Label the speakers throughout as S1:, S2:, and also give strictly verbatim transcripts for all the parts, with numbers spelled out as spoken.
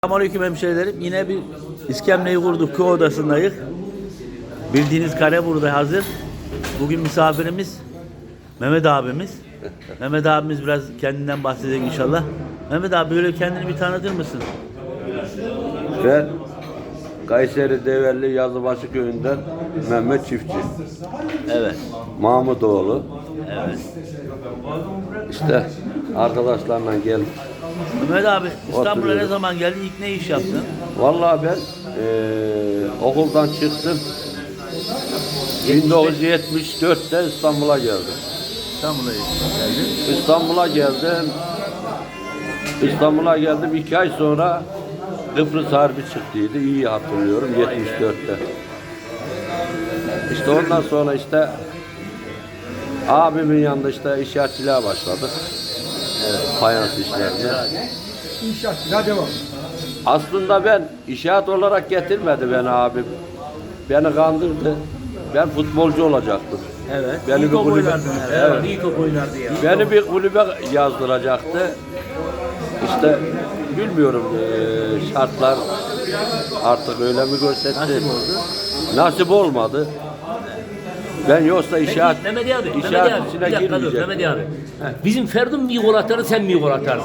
S1: Selamünaleyküm hemşehrilerim. Yine bir iskemleyi kurduk. Köy odasındayız. Bildiğiniz kare burada hazır. Bugün misafirimiz Mehmet abimiz. Mehmet abimiz biraz kendinden bahsedecek inşallah. Mehmet abi böyle kendini bir tanıtır mısın?
S2: Ben Kayseri Develli Yazıbaşı köyünden Mehmet Çiftçi.
S1: Evet.
S2: Mahmutoğlu.
S1: Evet.
S2: İşte arkadaşlarla gelip.
S1: Mehmet abi İstanbul'a ne
S2: Oturuyorum.
S1: zaman geldin? İlk ne iş yaptın?
S2: Vallahi ben eee, okuldan çıktım. bin dokuz yüz yetmiş dörtte İstanbul'a geldim.
S1: İstanbul'a geldin.
S2: İstanbul'a geldim. İstanbul'a geldim. iki ay sonra Kıbrıs Harbi çıktıydı. İyi hatırlıyorum. yetmiş dörtte. İşte ondan sonra işte abimin yanında işte inşaatçılığa başladık. Evet, fayans işlerine.
S3: İnşaatçılığa devam.
S2: Aslında ben inşaat olarak getirmedi beni abim. Beni kandırdı. Ben futbolcu olacaktım.
S1: Evet.
S2: Beni
S1: İyi
S2: bir
S1: top
S2: kulübe,
S1: oynardın herhalde.
S2: evet,
S1: İyi top oynardı ya.
S2: beni bir kulübe yazdıracaktı. İşte bilmiyorum eee, şartlar artık öyle mi gösterdi?
S1: Nasip oldu.
S2: Nasip olmadı. Ben yoksa inşaat,
S4: Peki, Mehmet abi, Mehmet
S2: inşaat
S4: abi,
S2: içine
S4: bir dakika dur,
S2: girmeyecektim.
S4: Mehmet abi. Bizim Ferdun bir gol atardı, sen mi gol atardın?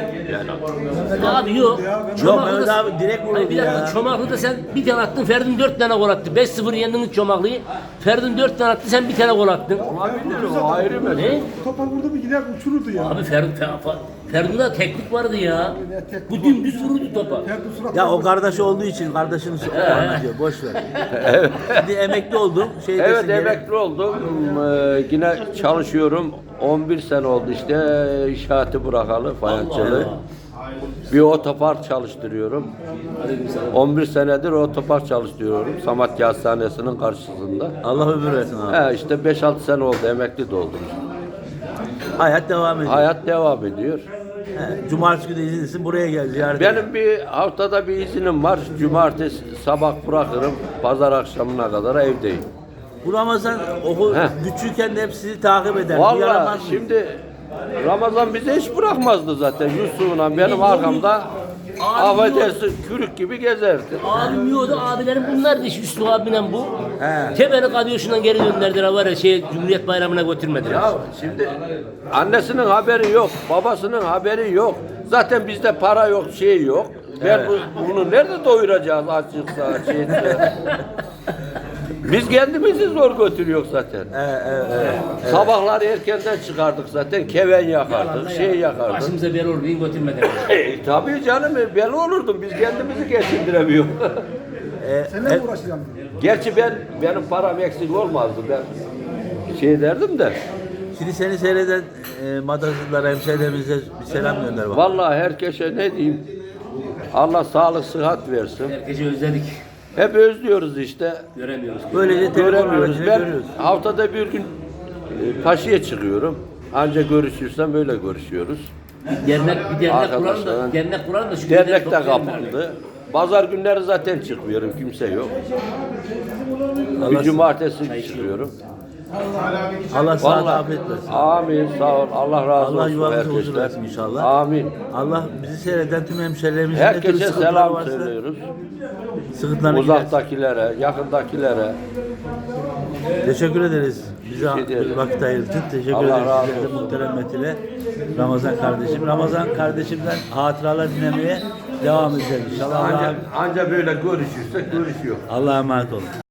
S4: Abi yok.
S1: Yok Mehmet abi direkt
S4: Hayır,
S1: vururdu
S4: bir dakika,
S1: ya.
S4: Çomaklı'da sen bir tane attın, Ferdun dört tane gol attı. beş sıfır yendiniz Çomaklı'yı. Ferdun dört tane attı, sen bir tane gol attın.
S2: Olabilir, o ayrı mesele.
S4: Ne?
S3: Topar vurdu mu gider uçururdu ya.
S4: Abi Ferdun, Fer- Ferdun'da teknik vardı ya. Bu dümdüz vururdu topa.
S3: Ferdi surat
S1: Ya o kardeş olduğu için kardeşini anlatıyor. Boş ver. Şimdi emekli oldum. Şey
S2: Evet,
S1: desin, gerek-
S2: emekli oldum. Ee, yine çalışıyorum. on bir sene oldu işte inşaatı bırakalı, fayansçılığı. Bir otopark çalıştırıyorum. on bir senedir otopark çalıştırıyorum. Samatya Hastanesi'nin karşısında.
S1: Allah ömür versin abi.
S2: He, işte beş altı sene oldu emekli de oldum.
S1: Hayat devam ediyor.
S2: Hayat devam ediyor.
S1: He, Cumartesi günü izinlisin buraya gel ziyaret et.
S2: Benim bir haftada bir iznim var. Cumartesi sabah bırakırım. Pazar akşamına kadar evdeyim.
S1: Bu Ramazan okul
S2: Heh.
S1: küçükken de hep sizi takip eder. Bu
S2: Vallahi
S1: yaramaz mı?
S2: şimdi Ramazan bize hiç bırakmazdı zaten. Yusuf'la benim arkamda affedersin kürük gibi gezerdi.
S4: Abim yiyordu, abilerim bunlardı işte Üstü abimle bu.
S1: He.
S4: Tebeni Kadyoşu'ndan geri gönderdiler var ya şey Cumhuriyet Bayramı'na götürmediler.
S2: Ya şimdi annesinin haberi yok, babasının haberi yok. Zaten bizde para yok, şey yok. Ben bu, bunu nerede doyuracağız açıksa şeyse. Biz kendimizi zor götürüyoruz zaten.
S1: Evet, evet, evet.
S2: Sabahlar erkenden çıkardık zaten, keven yakardık, şey yakardık.
S4: Başımıza bel olur, bin götürmediler.
S2: E, tabii canım, ben olurdum, biz kendimizi geçindiremiyoruz.
S1: E,
S3: Seninle mi uğraşacağım?
S2: Gerçi ben, benim param eksik olmazdı, ben şey derdim de.
S1: Şimdi seni seyreden e, madasızlara, hemşehrilerimize bir selam gönder bak.
S2: Vallahi herkese ne diyeyim, Allah sağlık, sıhhat versin.
S4: Herkese özledik.
S2: Hep özlüyoruz işte,
S4: Göremiyoruz.
S1: Böylece telefon
S2: göremiyoruz.
S1: aracıyla
S2: Ben
S1: görüyoruz.
S2: haftada bir gün e, Paşa'ya çıkıyorum. Ancak görüşürsem böyle görüşüyoruz.
S4: Dernek, bir dernek kuralım da,
S2: Arkadaşlar,
S4: dernek kuralım da şu
S2: Dernek
S4: günleri
S2: de
S4: toplayalım
S2: kapandı. Pazar günleri zaten çıkmıyorum, kimse yok.
S1: Allah-
S2: Bir cumartesi çıkıyorum.
S1: Allah sana
S2: Vallahi
S1: afiyet versin.
S2: amin, sağ ol. Allah razı
S1: Allah
S2: olsun
S1: yuvanızı huzur
S2: herkesten.
S1: versin inşallah.
S2: Amin.
S1: Allah bizi seyreden tüm hemşehrilerimizin ne türlü
S2: Herkese
S1: sıkıntıları
S2: selam
S1: varsa
S2: söylüyoruz.
S1: sıkıntılarını gidersin.
S2: Uzaktakilere, yakındakilere.
S1: Teşekkür ederiz. Bize
S2: Teşekkür ederim.
S1: vakit ayırdığın için teşekkür
S2: Allah
S1: ederiz.
S2: razı
S1: Sizlere de
S2: olsun.
S1: muhterem Metine, Ramazan kardeşim. Ramazan kardeşimden hatıralar dinlemeye devam edeceğiz inşallah.
S2: Anca,
S1: Allah'a
S2: anca böyle görüşürsek görüşüyor.
S1: Allah'a emanet olun.